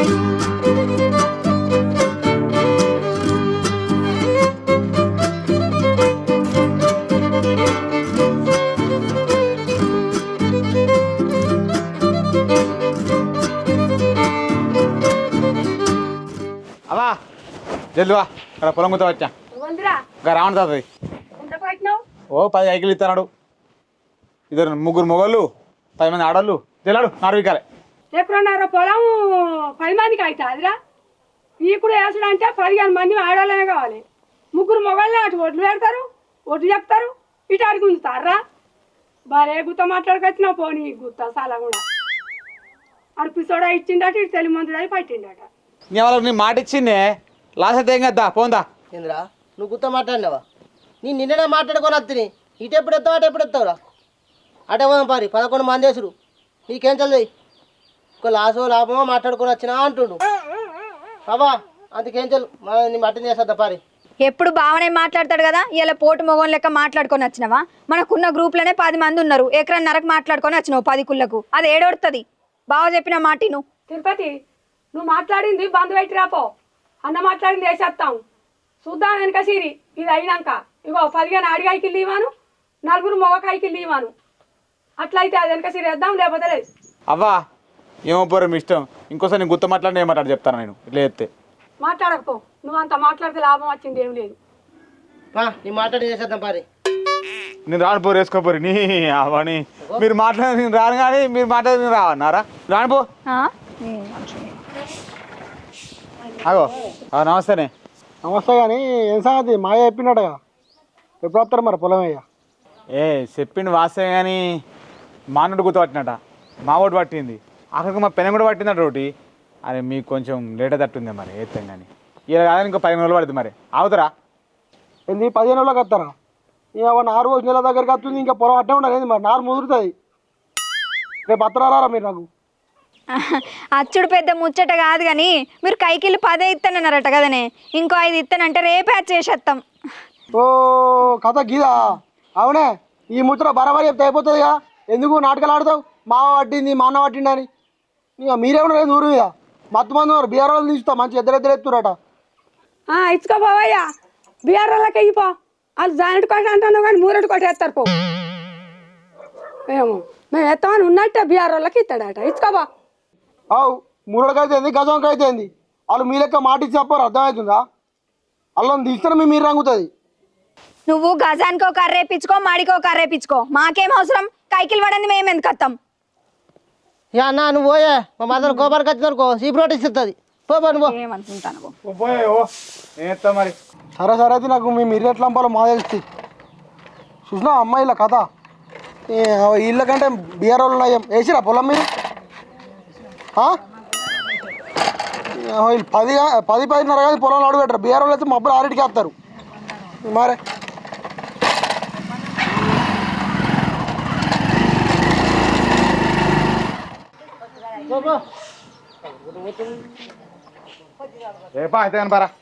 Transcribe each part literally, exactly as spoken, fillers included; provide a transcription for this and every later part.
అవా జల్దువా ఇక్కడ పొలం గుర్తా వచ్చా ఇంకా రావణ తాతది ఓ పది ఐకిలు ఇస్తున్నాడు ఇద్దరు ముగ్గురు మొగోళ్ళు పది మంది ఆడోళ్ళు జల్లాడు నాలుగు ఎప్పుడున్నారో పొలం పది మందికి అయితే అదిరా ఇప్పుడు వేసుడు అంటే పదిహేను మంది ఆడవాళ్ళనే కావాలి ముగ్గురు మొగళ్ళే అటు ఒడ్లు పెడతారు ఒడ్లు చెప్తారు ఇటు అడిగి ఉంచుతారా బాగా గుత్త మాట్లాడుకొచ్చినావు పోనీ గుత్త చాలా కూడా అడిపిసోడా ఇచ్చిండట ఇటు తెలి మందుడు పట్టిండట వాళ్ళకి నీ మాట ఇచ్చిందే లాస్ అయితే ఏం కదా పోందా ఏంద్రా నువ్వు గుత్త మాట్లాడినావా నేను నిన్ననే మాట్లాడుకొని వస్తుంది ఇటు ఎప్పుడు ఎత్తావు అటు ఎప్పుడు ఎత్తావురా అటే పోదాం పారి పదకొండు మంది వేసుడు నీకేం చదివి ఒక లాసో లాభమో మాట్లాడుకొని వచ్చినా అంటుండు బాబా అందుకేం చల్లు నీ మటన్ చేసేద్దా పారి ఎప్పుడు బావనే మాట్లాడతాడు కదా ఇలా పోటు మొగం లెక్క మాట్లాడుకొని వచ్చినావా మనకున్న గ్రూప్లోనే పది మంది ఉన్నారు ఎకరన్నరకు మాట్లాడుకొని వచ్చినావు పది కుళ్ళకు అది ఏడొడుతుంది బావ చెప్పిన మాట నువ్వు తిరుపతి నువ్వు మాట్లాడింది బంధు పెట్టి రాపో అన్న మాట్లాడింది వేసేస్తాం చూద్దాం వెనక సిరి ఇది అయినాక ఇగో పదిహేను అడిగాయికి లీవాను నలుగురు మొగకాయికి లీవాను అట్లయితే అది వెనక సిరి వేద్దాం లేకపోతే లేదు అవ్వా ఏమో పోరు మీ ఇష్టం ఇంకోసారి నేను గుర్తు మాట్లాడిన ఏం మాట్లాడి చెప్తాను నేను ఇట్లా చెప్తే మాట్లాడకపో నువ్వు అంత మాట్లాడితే లాభం వచ్చింది ఏం లేదు నీ మాట్లాడి చేసేద్దాం పారి నేను రాను పోరు వేసుకోపోరు నీ అవని మీరు మాట్లాడి నేను రాను కానీ మీరు మాట్లాడి నేను రావన్నారా రాను పో అగో నమస్తేనే నమస్తే కానీ ఏం సంగతి మాయ చెప్పినట్టుగా ఎప్పుడు వస్తారు మరి పొలం అయ్యా ఏ చెప్పిండు వాస్తే కానీ మానుడు గుర్తుపట్టినట మా ఓటు పట్టింది అక్కడికి మా పెనం కూడా పట్టిందట ఒకటి అది మీకు కొంచెం లేట్ తట్టుంది మరి ఏత్తాం కానీ ఇలా కాదని ఇంకో పదిహేను రోజులు పడుతుంది మరి అవుతారా ఏంది పదిహేను రోజులకు వస్తారా ఇక నారు రోజు నెల దగ్గరికి వస్తుంది ఇంకా పొలం అట్టే ఉండదు మరి నారు ముదురుతుంది రేపు వస్తారా మీరు నాకు అచ్చుడు పెద్ద ముచ్చట కాదు కానీ మీరు కైకిల్లు పదే ఇస్తానన్నారట కదనే ఇంకో ఐదు ఇస్తానంటే రేపే అది చేసేస్తాం ఓ కథ గీదా అవునే ఈ ముచ్చట బరాబరి చెప్తే అయిపోతుందిగా ఎందుకు నాటకాలు ఆడతావు మావ పట్టింది మా అన్న పట్టింది అని ఇక మీరేమన్నా లేదు ఊరు మీద మత్తు మంది ఉన్నారు బీఆర్ వాళ్ళు తీస్తాం మంచి ఇద్దరు ఇద్దరు ఎత్తురట ఇచ్చుకోపోవయ్యా బీఆర్ వాళ్ళకి అయిపో వాళ్ళు జానెట్ కోట అంటున్నావు కానీ మూరెడు కోట ఎత్తారు పో ఏమో మేము ఎత్తామని ఉన్నట్టే బీఆర్ వాళ్ళకి ఇస్తాడట ఇచ్చుకోబా అవు మూడోడికి అయితే గజంకి అయితే వాళ్ళు మీ లెక్క మాట ఇచ్చి చెప్పారు అర్థమవుతుందా వాళ్ళని తీస్తే మీ మీరు రంగుతుంది నువ్వు గజానికో కర్రేపించుకో మాడికో కర్రేపించుకో మాకేం అవసరం కైకిలు పడింది మేము ఎందుకు వస్తాం యా అన్న నువ్వు పోయే మా మదర్ గోబార్కి వచ్చినారుకో సీప్ రోడ్ ఇస్తుంది పోబా నువ్వు ఏమనుకుంటాను మరి సరే సరే అయితే నాకు మీ మీరు ఎట్లా పంపాలో మా తెలుస్తుంది చూసినా అమ్మాయిల కథ వీళ్ళ కంటే బీఆర్ వాళ్ళు నయం వేసిరా పొలం మీరు వీళ్ళు పది పది పదిన్నర కానీ పొలంలో అడుగు పెట్టరు బీఆర్ వాళ్ళు అయితే మబ్బులు ఆరింటికి వేస్తారు మరే రేపా అయితే కానీ పరా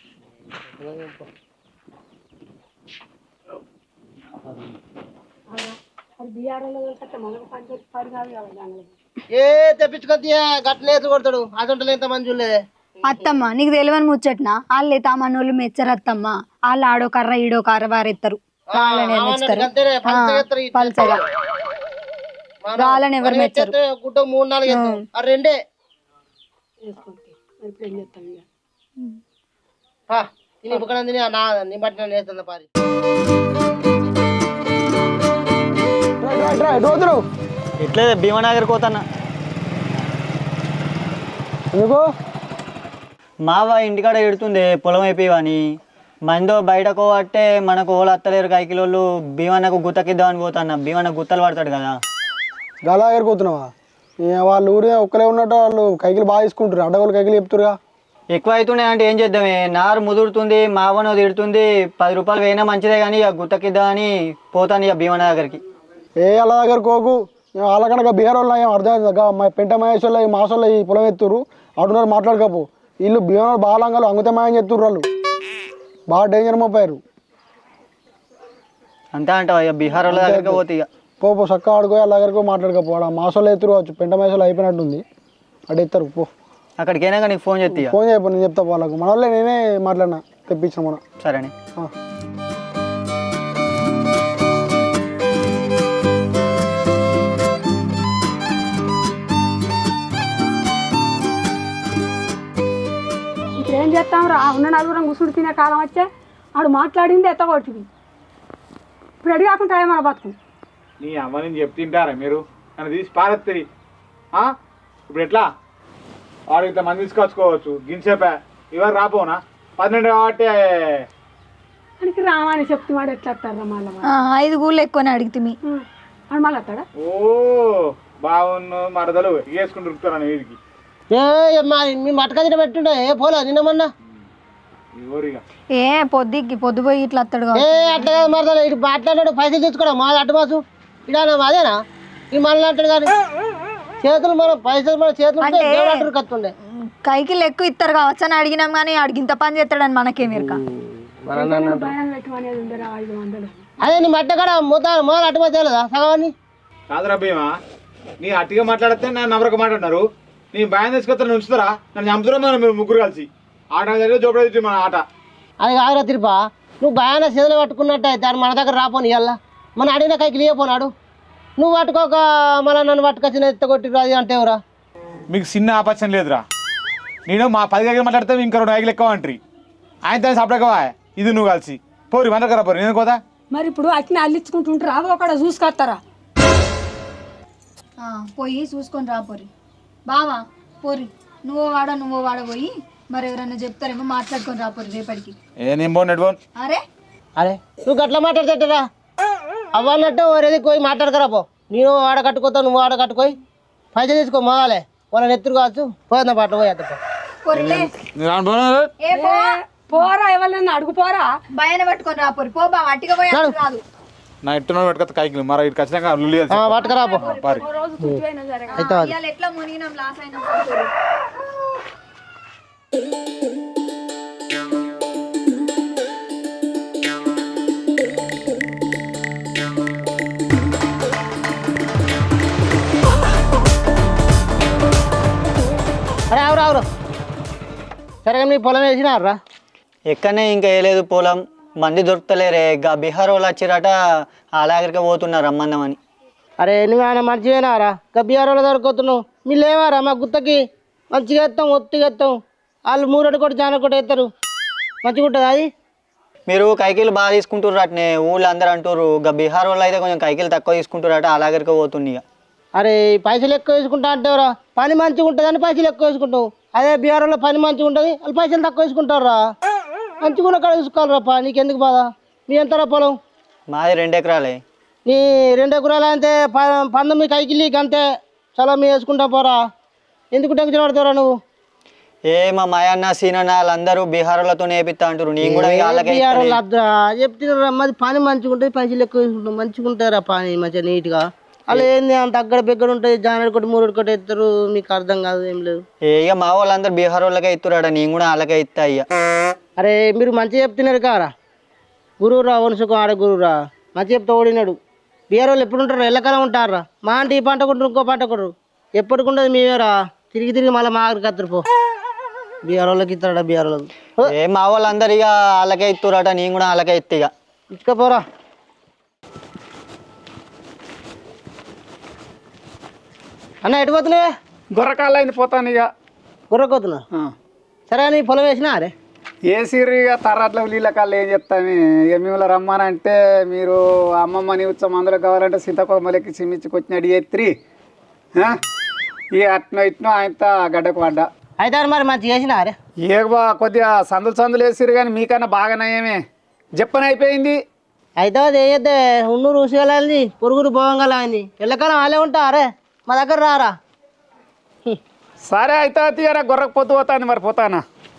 ఏ తెప్పించుకొద్ది గట్లేసి కొడతాడు అసలు ఎంత మంది చూడలేదే అత్తమ్మ నీకు తెలియని ముచ్చట్నా వాళ్ళు తామన్నోళ్ళు మెచ్చరు అత్తమ్మ వాళ్ళు ఆడో కర్ర ఈడో కర్ర వారెత్తారు వాళ్ళని పల్చగా వాళ్ళని ఎవరు మెచ్చరు గుట్ట మూడు నాలుగు ఆ రెండే తిని బుక్కడం తిని నా నీ బట్టి నేను వేస్తుంది పారి ఇట్లే భీమనగర్ పోతానా ఎందుకు మావ ఇంటికాడ ఎడుతుంది పొలం అయిపోయావని మందో బయటకు పట్టే మనకు ఓళ్ళు అత్తలేరు కైకిలోళ్ళు భీమన్నకు గుత్తకిద్దామని పోతాన్న భీమన్న గుత్తలు పడతాడు కదా గలా ఎగిరిపోతున్నావా వాళ్ళు ఊరే ఒక్కలే ఉన్నట్టు వాళ్ళు కైకిలు బాగా తీసుకుంటారు అడ్డగోళ్ళు కైకిలు చెప్తురుగా ఎక్కువ అవుతున్నాయి అంటే ఏం చేద్దామే నారు ముదురుతుంది మావనో తిడుతుంది పది రూపాయలు వేయినా మంచిదే కానీ ఇక గుత్తకిద్దామని పోతాను ఇక భీమన్న దగ్గరికి ఏ వాళ్ళ దగ్గర కోకు వాళ్ళ కనుక బీహార్ వాళ్ళు ఏం అర్థమైంది మా పెంట మహేష్ వాళ్ళు ఈ మాసంలో ఈ పొలం ఎత్తురు అటున్నారు మాట్లాడకపో వీళ్ళు భీమా బాలంగాలు అంగుతమాయని చెప్తుర్రు వాళ్ళు బాగా డేంజర్ మోపారు అంతే అంటావా ఇక బీహార్ వాళ్ళ దగ్గరికి పోతే ఇక పో పో చక్క ఆడుకో వాళ్ళ దగ్గరకు మాట్లాడకపో మాసంలో ఎత్తురు పెంట మహేష్ అయిపోయినట్టుంది అటు ఎత్తారు పో అక్కడికి అయినాక నీకు ఫోన్ చేస్తా ఇక. ఫోన్ చేయబో, నేను చెప్తా వాళ్ళకు. మన వాళ్ళే నేనే మాట్లాడినా, తెప్పించిన మన. సరేనే. ఆ. ఇప్పుడు ఏం చేస్తాం రా, ఉన్న నలుగురం గుసుడు తినే కాలం వచ్చే ఆడు మాట్లాడింది ఎత్తగొట్టింది. ఇప్పుడు అడిగి కాకుండా ఏమన్నా బతుకు. నీ అమ్మ నేను చెప్తింటారా మీరు నన్ను తీసి పారెత్తి. ఇప్పుడు ఎట్లా వాడు ఇంత మంది తీసుకొచ్చుకోవచ్చు గించేపా ఇవాళ రాపోనా పన్నెండు కాబట్టి మనకి రామని చెప్తే వాడు ఎట్లా వస్తారా మళ్ళీ ఆ, ఐదు గూళ్ళు ఎక్కువనే అడిగితే మీ వాడు మళ్ళీ వస్తాడా? ఓ బాగున్ను మరదలు వేసుకుని దొరుకుతాను వీడికి ఏ మా మీ మటక తిన పెట్టుండే ఏ పోలే నిన్నమన్నా. ఊరిగా ఏ పొద్దుకి పొద్దు పోయి ఇట్లా వస్తాడు ఏ అట్లా కాదు మరదలు, ఇటు మాట్లాడాడు పైసలు తెచ్చుకోవడం మా అడ్డు మాసు ఇడా అదేనా ఈ మళ్ళీ అంటాడు కానీ చేతులు మనం పైసలు మన చేతులు ఉంటే దేవుడు అంటారు కత్తుండే. కైకి ఎక్కువ ఇస్తారు కావచ్చు అని అడిగినాం కానీ అడిగింత పని చేస్తాడని మనకేం ఎరక. భయం పెట్టమనేది ఉండరా ఐదు వందలు. అదే నీ మట్ట కూడా మూత మొదలు అడ్డు మాసు తెలియదా సగవాన్ని. కాదురా భీమా నీ అట్టిగా మాట్లాడితే నన్ను నవరక మాట్లాడినారు. నీ భయం తీసుకొస్తాను ఉంచుతారా నన్ను చంపుతున్నా మనం మీరు ముగ్గురు కలిసి ఆట జరిగే జోపడి మన ఆట. అది కాదురా తిరుపా, నువ్వు భయాన చేతులు పట్టుకున్నట్టు అయితే అది మన దగ్గర రాపోని ఇవాళ మన అడిగిన కైకి లేకపోనాడు. నువ్వు పట్టుకోక మళ్ళీ నన్ను పట్టుకొచ్చిన ఎత్తగొట్టి అది అంటే ఎవరా. మీకు చిన్న ఆపచ్చం లేదురా. నేను మా పది దగ్గర మాట్లాడితే ఇంకా రెండు ఐదులు ఎక్కువ అంటారు. ఆయన దాన్ని సపరేట్గా ఇది నువ్వు కలిసి పోరి మన దగ్గర పోరి నేను కోదా. మరి ఇప్పుడు అట్నే అల్లించుకుంటుంటారు రావు అక్కడ చూసుకొస్తారా? పోయి చూసుకొని రాపోరి బావా పోరి. నువ్వు వాడ నువ్వు వాడ పోయి మరి ఎవరన్నా చెప్తారేమో మాట్లాడుకొని రాపోరి రేపటికి. ఏ నేను పోను నెట్ పోను. అరే అరే నువ్వు గట్లా మాట్లాడతారా అవ్వన్నట్టు వరేది పోయి మాట్లాడకరా పో. నేను ఆడ కట్టుకోతావు నువ్వు ఆడ కట్టుకోయి పైసలు తీసుకో మొగాలే వాళ్ళని ఎత్తురు కావచ్చు పోయిందా పాటలు పోయి అత్త పోరిలే. నేను రాను పోను. ఏ పో పోరా ఎవరినన్నా అడుగు పోరా. భయాన్ని పట్టుకొని రాపోరి పో బావ. అట్టిగా పోయి అట్లా రాదు. నా ఇట్టున పెట్టుకొస్తా కైకి మరి ఇటు ఖచ్చితంగా లుల్లి పట్టుకరా పో పారి. ఓ రోజు తుట్టి అయినా సరే అయితే అది. ఇవాళ ఎట్లా మునిగినాం లాస్ అయినా అరే అవరు అవరు సరే మీ పొలం వేసినారా? ఎక్కడనే ఇంకా వేయలేదు పొలం. మంది దొరుకుతలేరే. గా బీహార్ వాళ్ళు వచ్చిరట అలాగరికి పోతున్నారు రమ్మందామని. అరే నువ్వు ఆయన మంచిగానారా గబ్బియారోలో దొరుకుతున్నావు. మీ లేవారా మా గుత్తకి మంచిగా ఎత్తాం ఒత్తిగా ఎత్తాం. వాళ్ళు మూరటి కొట్టి జాన కొట్టి ఎత్తారు మంచిగా ఉంటుంది అది. మీరు కైకిలు బాగా తీసుకుంటారు అట్నే ఊళ్ళో అందరు అంటారు. గా బీహార్ వాళ్ళు అయితే కొంచెం కైకిలు తక్కువ తీసుకుంటారట అలాగరికి పోతుంది. ఇక అరే పైసలు ఎక్కువ వేసుకుంటా అంటేవరా పని మంచిగా ఉంటుందని పైసలు ఎక్కువ వేసుకుంటావు. అదే బీహార్లో పని మంచిగా ఉంటుంది వాళ్ళు పైసలు తక్కువ వేసుకుంటారా. మంచిగా ఉన్న కాడ చూసుకోవాలరా. నీకెందుకు బాధ? మీ ఎంతరా పొలం? మాది రెండు ఎకరాలే. నీ రెండు ఎకరాలు అంతే ప పంతొమ్మిది కైకిలీకి అంతే చాలా మీ వేసుకుంటా పోరా. ఎందుకు టెన్షన్ పడతావురా నువ్వు? ఏ మా మాయన్న సీనన్న వాళ్ళందరూ బీహార్లతో నేపిస్తా అంటారు. నేను కూడా ఇక వాళ్ళకే ఇస్తాను. చెప్తున్నా మాది పని మంచిగా ఉంటుంది పైసలు ఎక్కువ వేసుకుంటాం మంచిగా ఉంటారా పని మంచిగా నీట్గా. అలా ఏంది అంత అగ్గడ బిగ్గడ ఉంటుంది జానడి కొట్టి మూడు కొట్టి ఎత్తారు. మీకు అర్థం కాదు ఏం లేదు. ఏ ఇక మా వాళ్ళందరూ బీహార్ వాళ్ళకే ఇస్తున్నాడ నేను కూడా వాళ్ళకే ఇస్తా. ఇక అరే మీరు మంచిగా చెప్తున్నారు కారా. గురువురా వనుసుకు ఆడ గురువురా మంచిగా చెప్తే ఓడినాడు. బీహార్ వాళ్ళు ఎప్పుడు ఉంటారు ఎల్లకాలం ఉంటారా. మా అంటే ఈ పంట కొంటారు ఇంకో పంట కొట్టరు ఎప్పటికుంటుంది మేమేరా. తిరిగి తిరిగి మళ్ళీ మా ఆఖరికి కత్తరు పో. బీహార్ వాళ్ళకి ఇస్తాడా బీహార్ వాళ్ళకి. ఏ మా వాళ్ళందరూ ఇక వాళ్ళకే ఇస్తున్నారట నేను కూడా వాళ్ళకే ఇస్తా. ఇక ఇసుకపోరా. అన్న ఎటు పోతున్నావే? గొర్రకాళ్ళు అయింది పోతాను ఇక. గుర్రకోతున్నా సరే నీ పొలం వేసినా అరే ఏసీరు ఇక తర్రాట్ల నీళ్ళ కాళ్ళు ఏం చెప్తాను. ఇక మిమ్మల్ని రమ్మనంటే మీరు అమ్మమ్మని ఉత్సవం మందులు కావాలంటే సీతాకోమలకి చిమ్మిచ్చి కొచ్చినట్టు ఎత్తిరి ఇక అట్నో ఇట్నో ఆయనతో గడ్డకు పడ్డా. అయితే మరి మంచిగా వేసినా అరే. ఏ బా కొద్దిగా సందులు సందులు వేసిరు కానీ మీకన్నా బాగా నయమే చెప్పని అయిపోయింది. అయితే అది వేయద్దే ఉన్నూరు ఊసిగలని పొరుగురు భోగంగలైంది ఎల్లకాలం వాళ్ళే ఉంటా అరే మా దగ్గర రారా. సరే అయితే తీయరా గొర్రకు పొద్దు పోతాను మరి పోతానా.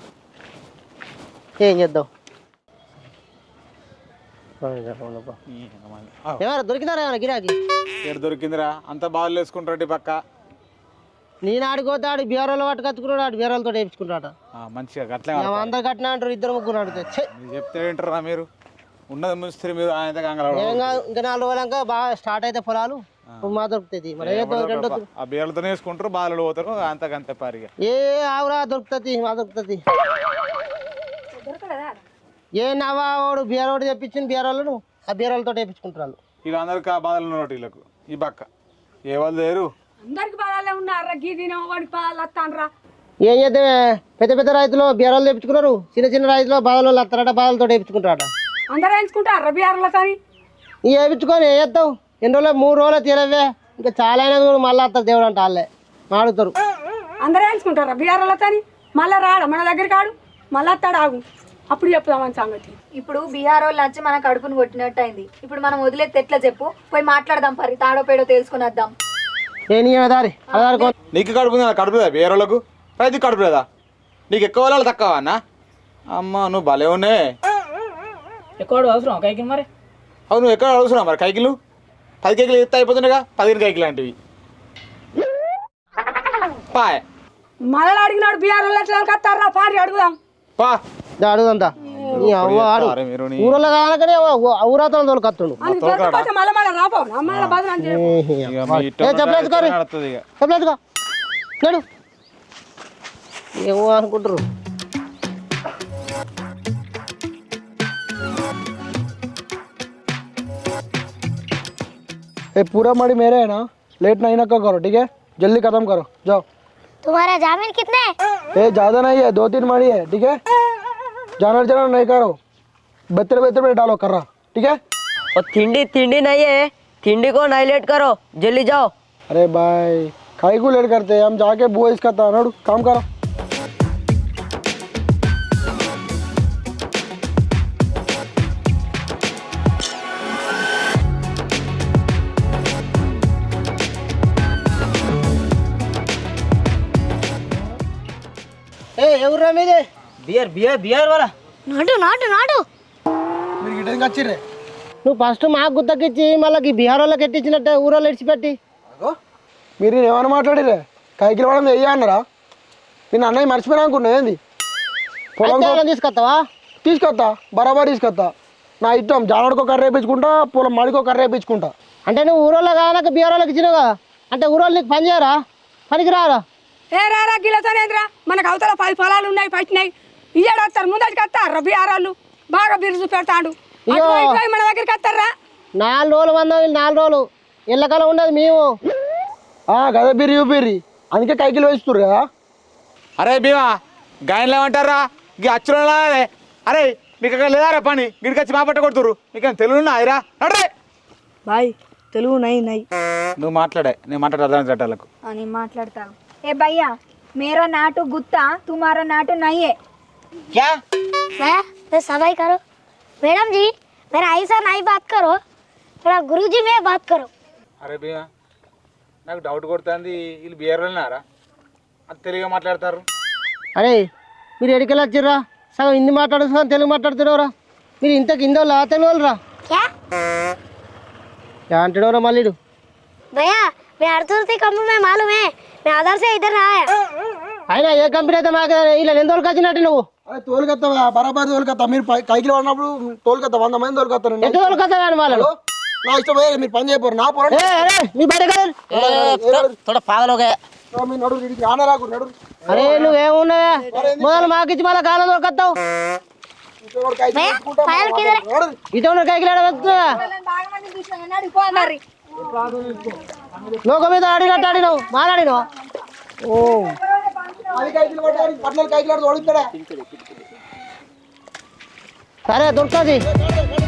ఏం చేద్దాం ఏమన్నా దొరికినారా ఏమన్నా గిరాకి? ఎక్కడ దొరికిందిరా అంత బాగా వేసుకుంటాడు పక్క. నేను ఆడిపోతే ఆడు బీహార్లో పట్టు కత్తుకున్నాడు ఆడు బీహార్లతో వేయించుకుంటాట. మంచిగా గట్లే అందరు కట్టినా అంటారు ఇద్దరు ముగ్గురు అడిగితే చెప్తే ఏంటారా మీరు ఉన్నది ముస్తే మీరు ఆయన ఏం కాదు ఇంకా నాలుగు రోజులంక బాగా స్టార్ట్ అయితే పొలాలు మా దొరుకుతుంది మరి ఏ దొ- రెండో దొ- ఆ బీరలతోనే వేసుకుంటారు బాధలు పోతారు అంతకంత పారిగా ఏ ఆవురా దొరుకుతుంది మా దొరుకుతుంది ఏ నవ్వా వాడు బీరోడు తెప్పించింది బీరోళ్ళను ఆ బీరోలతో తెప్పించుకుంటారు ఇక అందరికి ఆ బాధలు ఉన్నట్టు వీళ్ళకు ఈ పక్క ఏ వాళ్ళు లేరు అందరికి బాధాలే ఉన్నారా గీ తిన వాడికి బాధలు వస్తానరా ఏం చేద్దాం పెద్ద పెద్ద రైతులు బీరాలు తెప్పించుకున్నారు చిన్న చిన్న రైతులు బాధలు వస్తారట బాధలతో తెప్పించుకుంటారట అందరూ ఎంచుకుంటారా బీఆర్లతోని ఇక వేయించుకొని ఏం చేస్తావు ఎన్ని రోజులు మూడు రోజులు తీరవే ఇంకా చాలా అయినా కూడా మళ్ళీ వస్తారు దేవుడు అంటే వాళ్ళే మాడుతారు అందరూ ఎంచుకుంటారా బీఆర్లతోని మళ్ళీ రాడా మన దగ్గరికి ఆడు మళ్ళీ వస్తాడు ఆగు అప్పుడు చెప్తామని సంగతి ఇప్పుడు బీహార్ వాళ్ళు వచ్చి మన కడుపును కొట్టినట్టు అయింది ఇప్పుడు మనం వదిలేస్తే ఎట్లా చెప్పు పోయి మాట్లాడదాం పరి తాడో పేడో తెలుసుకుని వద్దాం నేను దారి అదారి కో- నీకు కడుపు ఉందా? కడుపు లేదా వేరే వాళ్ళకు రైతు కడుపు లేదా నీకు ఎక్కువ వాళ్ళు తక్కువ అన్న అమ్మ నువ్వు భలే ఉన్నే ఎక్కువ అవసరం కైకి మరి అవును నువ్వు ఎక్కడ అడుగుతున్నావు మరి కైకిలు పది కేకులు ఎత్తే అయిపోతుండగా పదిహేను కైకిలు లాంటివి పాయ్ మళ్ళీ అడిగినాడు బీఆర్లు ఎట్లా కత్తారా పారి అడుగుదాం పా దా అడుగుదంతా నీ అవ్వ ఆడు అరే మీరు నీ- ఊరలో కానకనే ఊరాతలు తోలుకొస్తుండు అని దొరకపోతే మళ్ళీ మళ్ళీ రాపో మళ్ళీ బదులు చేయకు. ఇక మీ ఇష్టం ఏ చెప్పలేదుకోరి నడుస్తుంది ఇక చెప్పలేదుకో నడు ఏమో అనుకుంటారు ये पूरा मड़ी मेरे है ना लेट नहीं ना करो ठीक है जल्दी खत्म करो जाओ तुम्हारा जामीन कितने ये ज़्यादा नहीं है दो तीन मड़ी है ठीक है जानवर जानवर नहीं करो बेहतर बेहतर में डालो कर रहा ठीक है और थिंडी थिंडी नहीं है थिंडी को नहीं लेट करो जल्दी जाओ अरे भाई खाई को लेट करते हैं हम जाके बुआ इसका था नड़ू काम करो ఏ ఎవరురా మీది बियर बियर बियर वाला నాటు నాటు నాటు మీరు గిట్టేందుకు వచ్చిర్రే నువ్వు ఫస్ట్ మాకు గుత్తకిచ్చి మళ్ళీ బీహార్ వాళ్ళకి ఎట్టించినట్టే ఊరోళ్ళు ఇడిచిపెట్టి మీరు నేను ఏమైనా మాట్లాడిరే కైకిలు పడడం వెయ్యి అన్నారా నేను అన్నయ్య మర్చిపోయినా అనుకున్నా ఏంది పొలం అయితే వాళ్ళని తీసుకొస్తావా తీసుకొస్తా బరాబర్ తీసుకొస్తా నా ఇష్టం జానడికో కర్ర వేయించుకుంటా పొలం మడికో కర్ర వేయించుకుంటా అంటే నువ్వు ఊరోళ్ళు కానక బీహార్ వాళ్ళకి ఇచ్చినావు కదా అంటే ఊరోళ్ళు నీకు పని చేయరా పనికి రారా ఏ రారా గిలతోనేదిరా మనకు అవతల పది పొలాలు ఉన్నాయి పట్టినాయి ఇయ్యాడు వస్తారు ముందరికి వస్తారు బీఆర్లు బాగా బిరుసు పెడతాడు ఇయ్యో. అటువైపు పోయి మన దగ్గరికి వస్తారా నాలుగు రోజులు వంద వీళ్ళు నాలుగు రోజులు ఎల్లకాలం ఉండదు మేము గదే బిర్రి బిర్రి అందుకే కైకిలు వేస్తుర్రు కదా అరే భీమా గాయన్లు ఏమంటారా ఇక అచ్చులో అరే మీకు అక్కడ లేదారా పని గిడికి వచ్చి మా పట్ట కొడుతురు మీకు తెలుగు ఆయరా నడే బాయ్ తెలుగు నై నై నువ్వు మాట్లాడే నేను మాట్లాడే అర్థం చట్టాలకు అని మాట్లాడతాను ఏ భయ్యా మేరా నాటు గుత్తా తుమారా నాటు నయ్యే क्या मैं तो सफाई करो मैडम जी मेरा ऐसा नहीं बात करो थोड़ा गुरुजी में बात करो అరే భీమా నాకు డౌట్ కొడుతుంది వీళ్ళు బిఆర్ వెళ్ళినారా అది తెలుగుగా మాట్లాడతారు అరే మీరు ఎడికెళ్ళి వచ్చిర్రా సగం హిందీ మాట్లాడు సగం తెలుగు మాట్లాడుతున్నావురా మీరు ఇంత కింద వాళ్ళ తెలుగు వాళ్ళరా क्या అంటాడురా మళ్ళీ भैया मैं अर्जुन से कम में मालूम है मैं आधार से इधर आया అయినా ఏ కంపెనీ అయితే మాకు ఇలా ఎన్ని రోజులు వచ్చినట్టు నువ్వు అరే తోలుకొత్తా బరాబర్ తోలుకొత్తా మీరు పై- కైకిలు పడినప్పుడు తోలుకొత్తా వంద మంది తోలుకొత్తారు ఎంత రోజులు కదా కానీ వాళ్ళు నా ఇష్టం పోయి మీరు పని చేయపోరు నా పొరం ఏ, అరే మీ బయట కదా थोड़ा पागल हो गया మీ నడు ఇడికి రాన రాకు నడు అరే నువ్వేమున్నావా మొదలు మాకు ఇచ్చి మళ్ళీ కాలం దొరకత్తావు ఇంకోటి కైకిలు వేసుకుంటా, నడు. ఇటు ఉన్న కైకిలాడ వెళ్తున్నా లోక మీద ఆడినట్టు ఆడినావు మాట్లాడినావు ఓ అది కైకిలు పడ్డారు పట్ల కైకిలు ఓడిస్తాడా సరే దొరుకుతుంది